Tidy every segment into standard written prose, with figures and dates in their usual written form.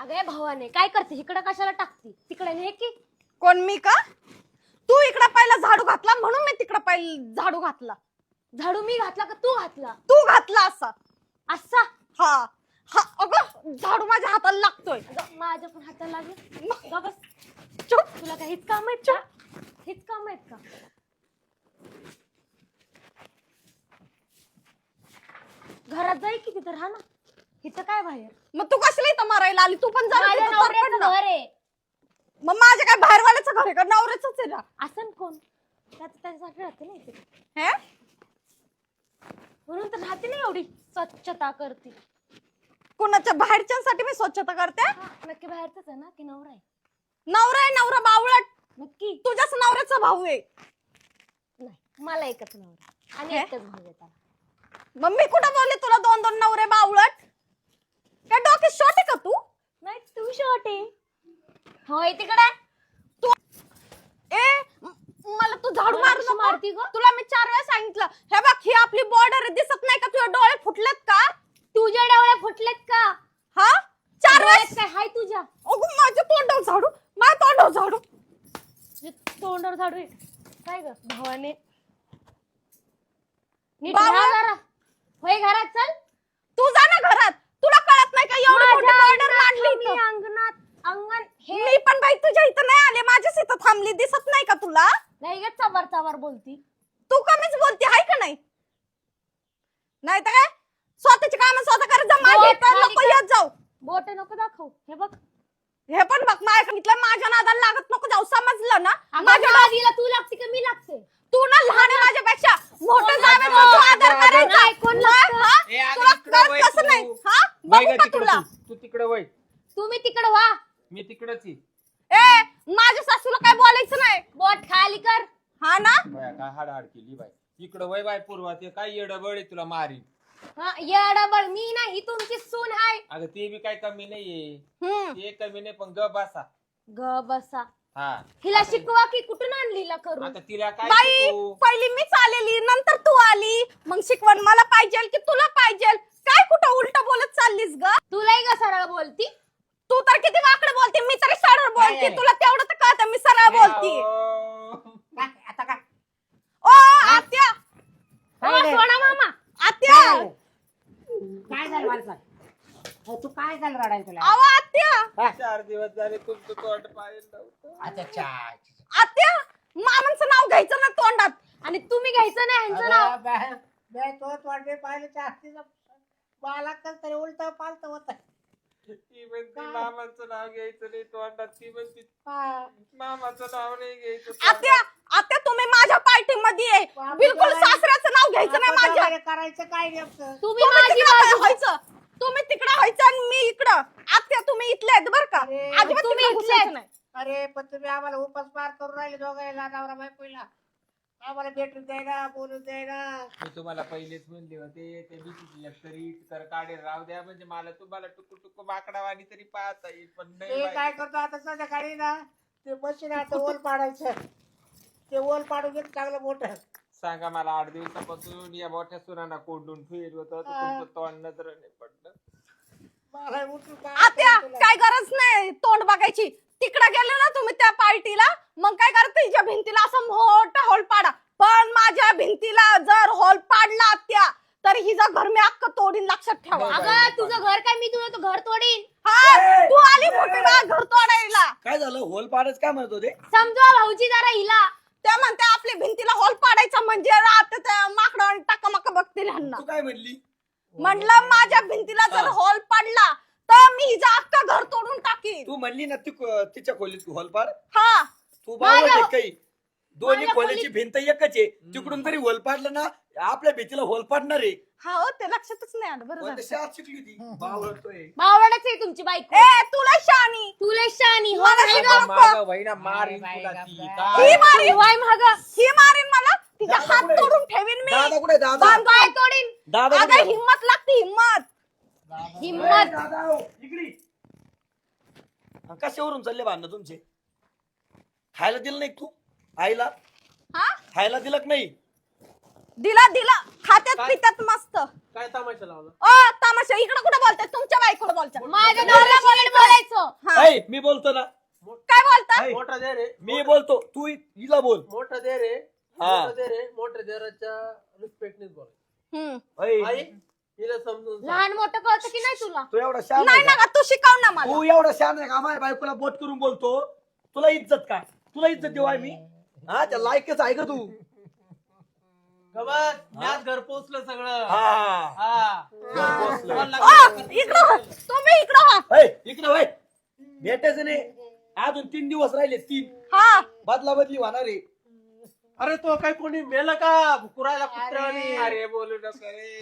अगं भावाने काय करते इकडं कशाला टाकती तिकडे ने की कोण मी का? तू इकडे पहिला झाडू घातला म्हणून मी तिकडे पहिला झाडू घातला. झाडू मी घातला का तू घातला? तू घातला असा. असा हा हा अगं झाडू माझ्या हाताला लागतोय. माझ्या पण हाताला लागेल. ग बस चुप. तुला काही हेच काम आहेत का? हेच काम आहेत का? घरात जाई की तिथं राहा ना. इथं काय बाहेर? मग तू कसली इथं मारायला आली? तू पण माझ्या जरा नवऱ्याचं घर आहे. मग माझ्या काय बाहेरवाल्याचं घर आहे का? नवऱ्याचंच आहे ना. असं कोण त्याच्यासाठी राहते ना इथे हे म्हणून तर राहते ना एवढी स्वच्छता करते. कुणाच्या बाहेरच्यांसाठी मी स्वच्छता करते? नक्की बाहेरच आहे ना की नवरा आहे? नवरा आहे नवरा बावळट. नक्की तुझ्याच नवऱ्याचा भाऊ आहे. नाही मला एकच नवरा आणि हे? एकच भाऊ आहे त्याला. मग मी कुठं बोलले तुला दोन दोन नवरे बावळट? काय डोके शॉट आहे का तू? नाही तू शॉर्ट आहे. होय तिकडे तू ए मला तू झाडू मारू नको. मारती ग तुला मी 4 वेळा सांगितलं. हे बघ ही आपली बॉर्डर दिसत नाही का? तुझे डोळे फुटलेत का? तुझ्या डोळे फुटलेत का? हा 4 डोळ्यात वेळा काय हाय तुझ्या? अगं माझ्या तोंडावर झाडू. माझ्या तोंडावर झाडू. तोंडावर झाडू आहे. काय ग भावाने नीट बावळट. राहा जरा. होय घरात चल. तू जा ना घरात. तुला कळत नाही का एवढी मोठी बॉर्डर मांडली मी इथं? अंगणात अंगण हे मी पण बाई तुझ्या इथं नाही आले. माझ्याच इथं थांबली. दिसत नाही का तुला? नाही ग चवर चवर बोलती. तू कमीच बोलते आहे का नाही? नाही तर काय स्वतःची कामं स्वतः करत जा. माझ्या इथं खाली नको कर. येत जाऊ. बोट नको दाखव. हे बघ हे पण बघ माझ्या सांगितलं माझ्या नादाला लागत नको जाऊ. समजलं ना? माझ्या दादीला तू लागते का मी लागते? तू ना लहान आहे माझ्यापेक्षा. मोठं कोण जावे लागतं? तू आदर करायचा. नाही, कोण लागतं? हा? ए, अगं तुला इकडं कळत वळ कसं तू. नाही? हा वय बघू ग का तिकडं तुला? तू तिकडे वय. तुम्ही तिकडे व्हा. मी तिकडच आहे. ए माझ्या सासूला काय बोलायचं नाही. बोट खाली कर. हा ना बाया काय हाड केली बाय. इकडं वय बाय पूर्वा ते काय येडबळ आहे तुला मारी. हा येडाबळ मी नाही तुमची सून आहे. अगं ते बी काय कमी नाहीये. हम्म. ते कमी नाही पण ग बसा. ग बसा. हा हिला शिकवा की कुठून आणलीला करू? आता तिला काय बाई शिकवू? पहिली मीच आलेली नंतर तू आली. मग शिकवण मला पाहिजे की तुला पाहिजे? काय कुठं उलट बोलत चाललीस ग? तुलाही ग सरळ बोलती. तू तर किती वाकडं बोलते. मी तरी सरळ बोलते. नाही. तुला तेवढं तर कळतं मी सरळ बोलते. अहो. आता काय ओ आत्या ओ, सोडा मामा. आत्या काय झालं मला सांग. तू काय झालं रडाय तुला? अहो आत्या 4 दिवस झाले तुमचं तोंड पाहिलं नव्हतं. अच्छा अच्छा. आत्या मामांचं नाव घ्यायचं ना तोंडात. आणि तुम्ही घ्यायचं नाही ह्यांचं नाव. मैं तो वाटवे पाहिले चाहती मला कल तरी उलट पालत होत. ती म्हणती मामाचं नाव घ्यायचं नाही तोंडात. ती म्हणती मामाचं नाव नाही घ्यायचं आत्या आत्या तुम्ही माझ्या पार्टी मध्ये आहे. बिलकुल सासऱ्याचं नाव घ्यायचं नाही माझ्या. करायचं काय नेमकं? तुम्ही तुम्ही माझी तिकडं बाजू. व्हायचं. तुम्ही तिकडं व्हायचं आणि मी इकडं. आत्या तुम्ही इथले आहेत बरं का? अरे, अजिबात तुम्ही तिकडं इथले आहेत. घुसायचं नाही. अरे पण तुम्ही आम्हाला उपास पार करून राहिले दोघांना नवरा बायकोला. आम्हाला भेटून द्यायला बोलून द्यायला. मी तुम्हाला पहिलेच म्हणले होते ते भीतीची तरी तर काढे राहू द्या म्हणजे मला तुम्हाला टुकू टुकू माकडावाणी तरी पाहता येईल पण नाही ते बाई. काय करतो आता संध्याकाळी ना ते मशीन आता ओल पाडायचं. ते ओल पाडून घेत चांगलं मोठं. सांगा मला 8 दिवसापासून या मोठ्या सुरांना कोंडून ठेवलं होतं तर तुमचं तोंड नजरेने पडलं. मला उठून काय आत्या करायचं तुला? काय गरज नाही तोंड बघायची. तिकडे गेले ना तुम्ही त्या पार्टीला मग काय करा तिच्या भिंतीला असं मोठा हॉल पाडा. पण माझ्या भिंतीला जर हॉल पाडला आत्या तर हिचं घर मी अख्खं तोडीन. लक्षात ठेवा. अगं तुझं घर काय मी तुझं घर तोडीन. हा तू आली मोठी ना घर तोडायला. काय झालं होल पाडच काय म्हणत होते? समजवा भाऊजी जरा हिला. त्या म्हणते आपल्या भिंतीला हॉल पाडायचा म्हणजे रात त्या माकडं टाकामाका बघतील ह्यांना. तू काय म्हणली? म्हणलं माझ्या भिंतीला जर हा. हॉल पडला तर मी हिचं अख्खं घर तोडून टाकीन. तू म्हणली ना तिच्या खोलीत होल पाड. हा तू बावळ माझ्या- आहे काही. दोन्ही माझ्या खोलीची भिंत एकच आहे. तिकडून तरी होल पाडलं ना आपल्या भीतीला होल पाडणार आहे. हा हो ते लक्षातच नाही आलं. बरं पण झालं. ते शाळेत शिकली होती. बावळतोय. भावडच आहे तुमची बायको. ए तुला शानी तुला शानी हो मला नाही शिकव. गं? मागं वहिना मारीन बाई, तुला बाई, ती. बाई. काय? ही मारीन वाय मागं. ही मारीन मला. तिचा दादा हात कुठे? तोडून ठेवीन मी. दादा कुठे? दादा बांध पाय तोडीन. दादा अगं कुठे? हिम्मत लागते हिम्मत. हिम्मत. दादा हो, इकडे. कशावरून चालले भांडणं तुमचे? खायला दिलं नाही का तू आईला? हा खायला दिलं का नाही? दिला दिला खात्यात काय? पितात मस्त. काय तमाशा लावला? ओ तमाशा इकडे कुठे बोलताय? तुमच्या बायकोला बोलताय. माझ्या नवऱ्याला बोलून बोलायचं. हा. ऐ, मी बोलतो ना. काय बोलताय? ऐ, मोठा दे रे. मी बोलतो, तू हिला बोल. मोठा दे रे. हा. मोठा दे रे. मोठ्या देराच्या रिस्पेक्टनेच बोल. हम्म. ऐ, आई हिला समजून सांग. लहान मोठं कळतं की नाही तुला? तू एवढा शान नाही आहे का? ना तू शिकव ना मला. तू एवढा शान आहे का? माझ्या बायकोला बोट करून बोलतो. तुला इज्जत का? तुला इज्जत देऊ आहे मी? हा, त्या लायकच आहे का तू? गबस, आज घर पोहोचलं सगळं. हा. हा. पोहोचलं. इकडं हो. तुम्ही इकडं हो. ऐ, इकडे वय. भेटायचं नाही. अजून 3 दिवस राहिले. 3 हा. बदला बदली होणार आहे. अरे तो काय कोणी मेलं का कुरायला कुत्र्यावानी? अरे बोलू नका रे.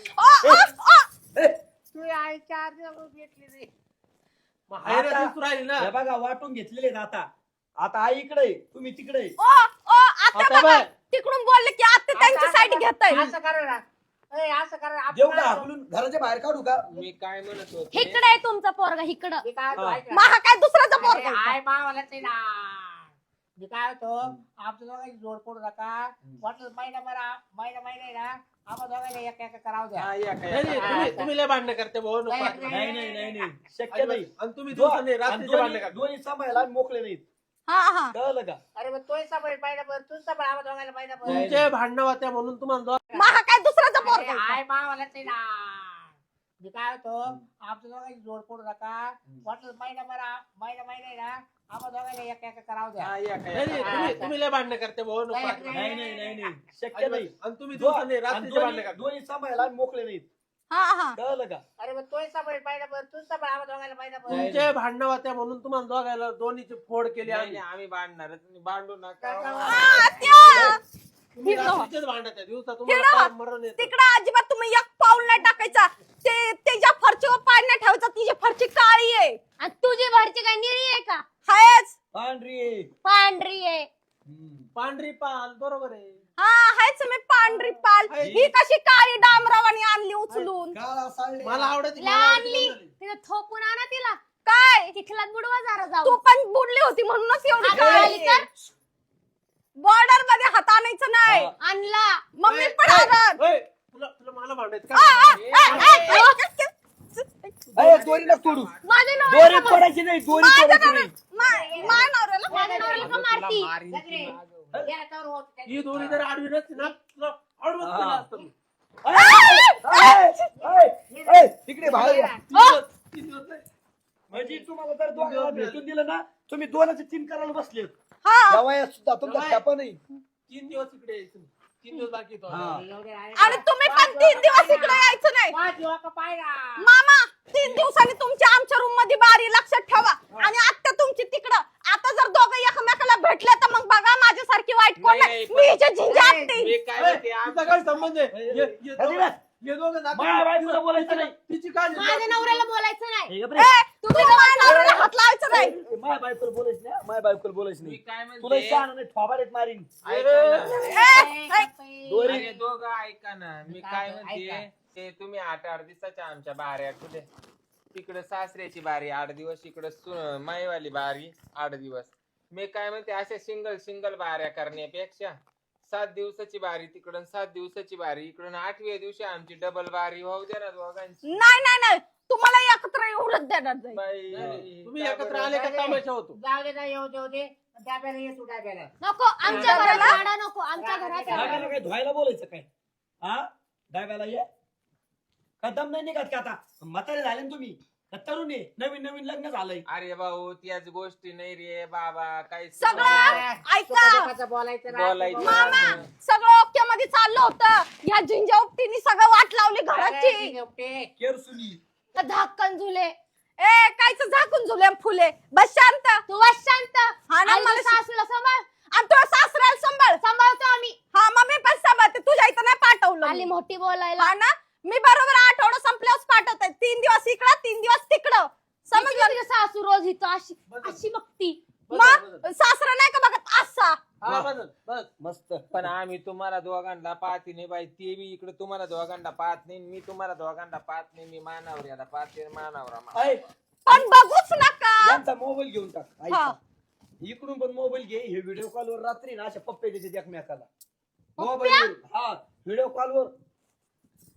ए, तू आई 4 दिवस भेटली नाही. मग हायरे आता- दिसू राहिली ना. हे बघा वाटून घेतलेले आहेत आता. आता आई इकडे आहे, तुम्ही तिकडे आहे. आता आता बघा बघ. तिकडून बोलले की आता त्यांची साईड घेताय. असं करा ना. ए, असं करा आपण देऊ का काय हाकलून घराच्या बाहेर काढू का? मी काय म्हणत होतो इकडे आहे तुमचा पोरगा इकडं. मी काय होतो, ऐक ना. महा काय दुसऱ्याचा अरे, पोरगा आहे आय मावालाच आहे ना. मी काय होतो आमच्या दोघांची जोड पडू नका. वाटलं महिना आहे ना आम्हा दोघांना एक एक करावं द्या. हा, या नाही, काय नाही, तुम्ही लय भांडणं करते भाऊ नको नाही, वाटलं. नाही नाही नाही नाही शक्य नाही. आणि तुम्ही दो- दिवसांनी आणि रात्रीचे भांडणं करता. दोन्ही सांभाळायला मोकळे नाहीत. हा हा. कळलं का? अरे मग तोही सांभाळ महिनाभर तू सांभाळ आम्हा दोघांना महिनाभर. तुमचे भांडणं होत्या म्हणून तुम्हाला महा काय दुसऱ्याचा अरे, पोरगा आहे. आय मावालाच आहे ना. मी काय होतो आमच्या दोघांची जोड पडू नका. वाटलं महिना आहे ना आम्हा दोघांना एक एक करावं द्या. हा, या नाही, नाही, काय तुम्ही लय भांडणं करते भाऊ नको नाही, वाटलं. नाही नाही नाही नाही शक्य नाही. आणि तुम्ही दो- दिवसांनी आणि रात्रीचे भांडणं दोन्ही करता. दोन्ही सांभाळायला मोकळे नाहीत. हा हा. कळलं का? अरे मग तोही सांभाळ महिनाभर तू सांभाळ आम्हा दोघांना महिनाभर. तुमचे भांडणं होत्या म्हणून तुम्हाला दोघायला दोन्हीची फोड केली नाही, आम्ही. नाही, आम्ही भांडणारच नाही. भांडू नका. आ, त्या. तुम्ही हिरो. रात्रीचेच भांडत आहे दिवसा हिरो. तुम्हाला फार मरण येतं. तिकडं अजिबात तुम्ही एक पाऊल नाही टाकायचा. त्याच्या फरचीवर पाय नाही ठेवायचा. तिची फरची काळी आहे. आणि तुझी भरची काय निळी आहे का? हायच. पांढरी आहे. पांढरी आहे. पांढरी पाल बरोबर आहे. हा हायच मी पांढरी पाल. हाय. ही कशी काळी डांबरावानी आणली उचलून. काळा साडे. मला आवडत आणली तिला थोपून आणा तिला. काय चिखलात बुडवा जरा तू जाऊ. पण बुडली होती म्हणूनच एवढी आता आली काळी तर? बॉर्डर मध्ये हात आणायचं नाही. हा. आणला. मग मी पण आणत. तुला तुला मला भांडायचं आ, आ, का? आ, आ, ए, दोरी नका तोडू. माझ्या दोरी नवऱ्याला का- तोडायची नाही. दोरी माझ्या तोडायची नवऱ्या- नाही. माझ्या नवऱ्याला माझ्या नवऱ्याला का मारती? गेला तर होत. ही दोन्ही जर आडवी नसती ना तुला आडवंच हा. केलं असतं मी. तिकडे बाहेर या. तीन दिवस नाही. म्हणजे तुम्हाला जर दोघांना भेटून दिलं ना तुम्ही 2-3 करायला बसले. हा. या वयात सुद्धा तुमचा जवाय. छापा नाही. 3 दिवस इकडे यायचं नाही. 3 दिवस बाकी येतो. हा. एवढे आहे. आणि तुम्ही पण 3 दिवस इकडे यायचं नाही. पाच दिवस का पाहिला. मामा 3 दिवसांनी तुमच्या आमच्या रूम मध्ये बारी लक्षात ठेवा. आणि आता तुमची तिकडं. आता जर दोघं एकमेकाला भेटले तर मग बघा माझ्यासारखी वाईट कोण नाही, नाही. नाही, मी हिच्या झिंजा नाही, आपटी. मी काय ए, म्हणते तिचा काय संबंध आहे? अजिबात. हे दोघं जातात. माझ्या बायकोला बोलायचं नाही. तिची काय माझ्या नवऱ्याला बोलायचं नाही. हे गप ए, रे. तू माझ्या नवऱ्याला हात लावायचं नाही. माझ्या बायकोला बोलायचं नाही. माझ्या बायकोला बोलायचं मी नाही. काय तुला म्हणते शहाणा नाही थोबाडीत मारीन. ऐका ना. दोरी. अरे दोघं ऐका ना. मी काय म्हणते ऐका. ते तुम्ही 8-8 दिवसाच्या आमच्या बाऱ्या कुठे तिकडे सासऱ्याची बारी 8 दिवस, इकडे माईवाली बारी 8 दिवस. मी काय म्हणते अशा सिंगल बाऱ्या करण्यापेक्षा 7 दिवसाची बारी तिकडून 7 दिवसाची बारी इकडून 8व्या दिवशी आमची डबल बारी होऊ दे ना दोघांची. नाही नाही नाही तुम्हाला एकत्र एवढंच देणार जाईल. बाई, तुम्ही एकत्र आले का तमाशा होतो. जाऊ दे ना येऊ देऊ दे. डाब्याला ये तू डाब्याला. नको आमच्या घरात भाडा नको. आमच्या घरात डाब्याला काय धुवायला बोलायचं काय? हा डाब्याला ये. कदम नाही निघत का आता? म्हातारे झाले ना तुम्ही. का तरुण आहे? नवीन लग्न झालंय. अरे भाऊ त्याच गोष्टी नाही रे बाबा काही सगळं ऐका. सुखादुखाचं बोलायचं राहतं. बोलायचं. मामा सगळं ओके मध्ये चाललं होतं. ह्या झिंजा उपटीने सगळं वाट लावली अरे, घराची. ठीक आहे, उपटे. केरसुनी. धाक्कन झुले. ए कायच झाकून झुले फुले. बस शांत. तू बस शांत. हा ना आणि मला तू सासूला सांभाळ. आणि तुला सासऱ्याला सांभाळ. सांभाळतो आम्ही. हा मम्मी पण सांभाळते. तुझ्या इथं नाही पाठवलं आली मी. मोठी बोलायला. हा ना मी बरोबर आठवडा संपल्यावर पाठवते. 3 दिवस इकडं 3 दिवस तिकडं. समजलं समजलं. तुझी सासू रोज इथं अशी अशी बघती. मग सासरा नाही का बघत असा. हा, बस बस. मस्त. पण आम्ही तुम्हाला दोघांना पाहते नाही बाई. ते बी इकडे तुम्हाला दोघांना पाहत नाही. मी तुम्हाला दोघांना पाहत नाही. मी मानावर याला पाहते मानावर. ऐ, पण बघूच नका. यांचा मोबाईल घेऊन टाक. ऐका. हा. इकडून पण मोबाईल घे. हे व्हिडिओ कॉलवर रात्री ना अशा पप्पे देतात एकमेकाला. पप्प्या? मोबाईल हा व्हिडिओ कॉलवर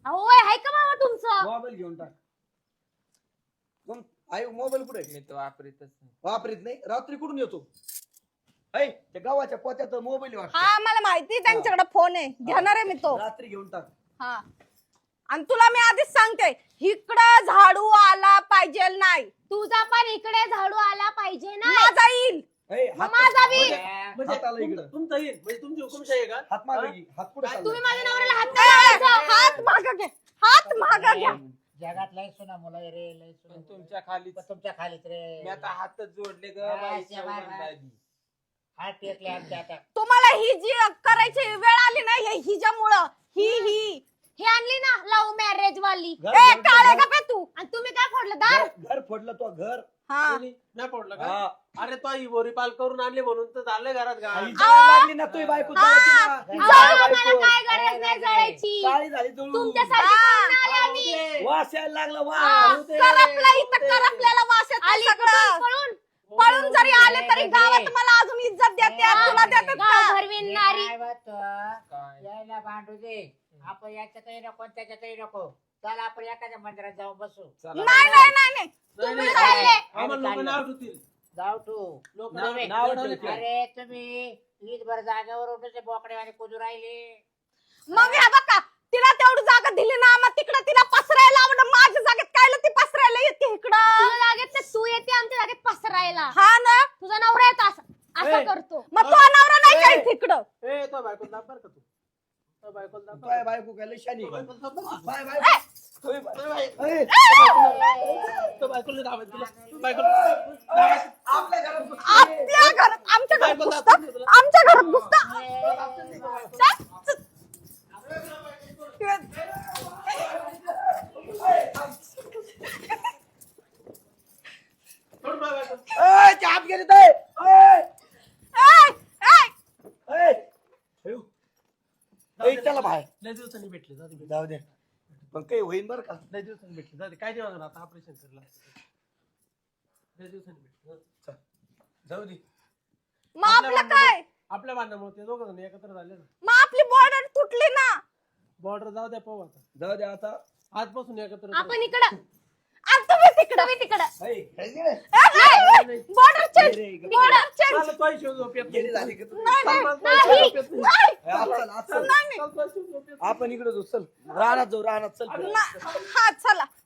अहो आहे का मामा तुमचं? मोबाईल घेऊन टाक. कोण आई मोबाईल कुठे मी तो वापरीतच नाही. वापरीत नाही. रात्री कुठून येतो? ऐ त्या गावाच्या पोत्यात मोबाईल वाटतो. हा मला माहिती त्यांच्याकडे फोन आहे, घेणार आहे मी तो. रात्री घेऊन टाक. हा आणि तुला मी आधीच सांगते, इकडं झाडू आला पाहिजे नाही. तुझा पण इकडे झाडू आला पाहिजे ना. माझा येईल. ऐ, हात माझा बी. म्हणजे हाताला इकडं. तुमचा येईल म्हणजे तुमची हुकुमशाही आहे का? हात मागे घे. हात पुढे चालला. तुम्ही माझ्या नवऱ्याला हात ए, काय लावायचा? हात मागं घे, हात मागं घ्या. जगात लय सुना मुलं आहे रे, लय पण सुना तुमच्या खाली तुमच्या खालीच रे. मी आता हातच जोडले ग हा, बाई, शेवा, चौघांना आधी. हात टेकले आमच्या आता. तुम्हाला ही जी करायची वेळ आली नाही, हे हिच्यामुळं ही हे आणली ना लव्ह मॅरेज वाली. घर- ए घर- काळे घर- का पे तू. आणि तुम्ही काय फोडलं दार? घर फोडलं तो घर. हा कोणी? नाही पडलं का? हा. अरे तो ही बोरी पाल करून आणली म्हणून तर झालं घरात आई घाण. जळायला लागली ना तुझी बायको जळती ना. अहो, तुझी आम्हाला बायको. काय गरज नाही जळायची. काळी झाली जळून. तुमच्यासाठी करून आले आम्ही. दे. वास यायला लागला हा. वास. करपला इथं करपल्याला वास येतो आली सगळं. कुठून पळून? पळून जरी आले तरी गावात मला अजून इज्जत देते, तुला देतात गाव का? भरविणारी. काय म्हणतो? काय? यायला भांडू दे. आपण याच्यातही नको आणि त्याच्यातही नको. चल आपण एखाद्या मंदिरात जाऊन बसू. चला नाही बाई. नाही नाही नाही. नाही, तुम्ही नाही. चालले. आम्हाला लोक नाव ठेवतील. जाऊ तू. लोक नाव- नाव नाव ठेवतील. ठेवतील. अरे तुम्ही ईदभर जागेवर उठून बोकडेवाले कुदू राहिले. मग ह्या बघा, तिला तेवढी जागा दिली ना, मग तिकडे तिला पसरायला लावलं. माझ्या जागेत कायला ती पसरायला येते इकडं? तुझ्या जागेत तर तू येते आमच्या जागेत पसरायला. हा ना, तुझा नवरा येतो असं ए. करतो. मग तो नवरा नाही काय तिकडं? ए तो बायको दाब बरं का तू. तो बायको दाब बरं तुझ्या का? बायको काय लय शानी तो आहे. बायको दाब बरं का? बाय बाय. तुझी बाय- तो बाय- ऐ, तो बायकोला दाबायचं तुला. तो ऐ, बायकोला- आपल्या घरात बस. आपल्या घरात, आमच्या घरात बायकोला घुसतात, दाबून तुला. आमच्या घरात घुसतात. सोड बाय बायको. ऐ, ते हात गेले ते. ऐ, ऐ, ऐ. ऐ. ठेव. ऐ, चला बाहेर. लय दिवसांनी भेटले जाऊ दे. जाऊ दे. पण काही होईन बरं का. लय दिवसांनी भेटले जाऊ दे. काय नाही होणार आता ऑपरेशन करला. लय दिवसांनी भेटले. जाऊ दे. मग आपलं काय? आपल्या भांडणामुळे ते दोघं जण एकत्र झाले ना. मग आपली बॉर्डर तुटली ना. बॉर्डर जाऊ द्या पाहू आता. जाऊ दे आता. आजपासून एकत्र आपण इकडं आणि तुम्ही तिकडं. तुम्ही तिकडं. ऐ, काय गेले? बॉर्डर चेंज, गेले, गेले. Border change. चाल, तोही शिव झोपेत नाही. गेली झाली का तू? नाही, नाही, चाल, तोही नाही, झोपेत नाही. नाही. ऐ, आज चल, आज चल. नाही, नाही. चाल, तोही शिव झोपेत नाही. आपण इकडे जाऊ चल. राहणार जाऊ राहणार चल. हा चला.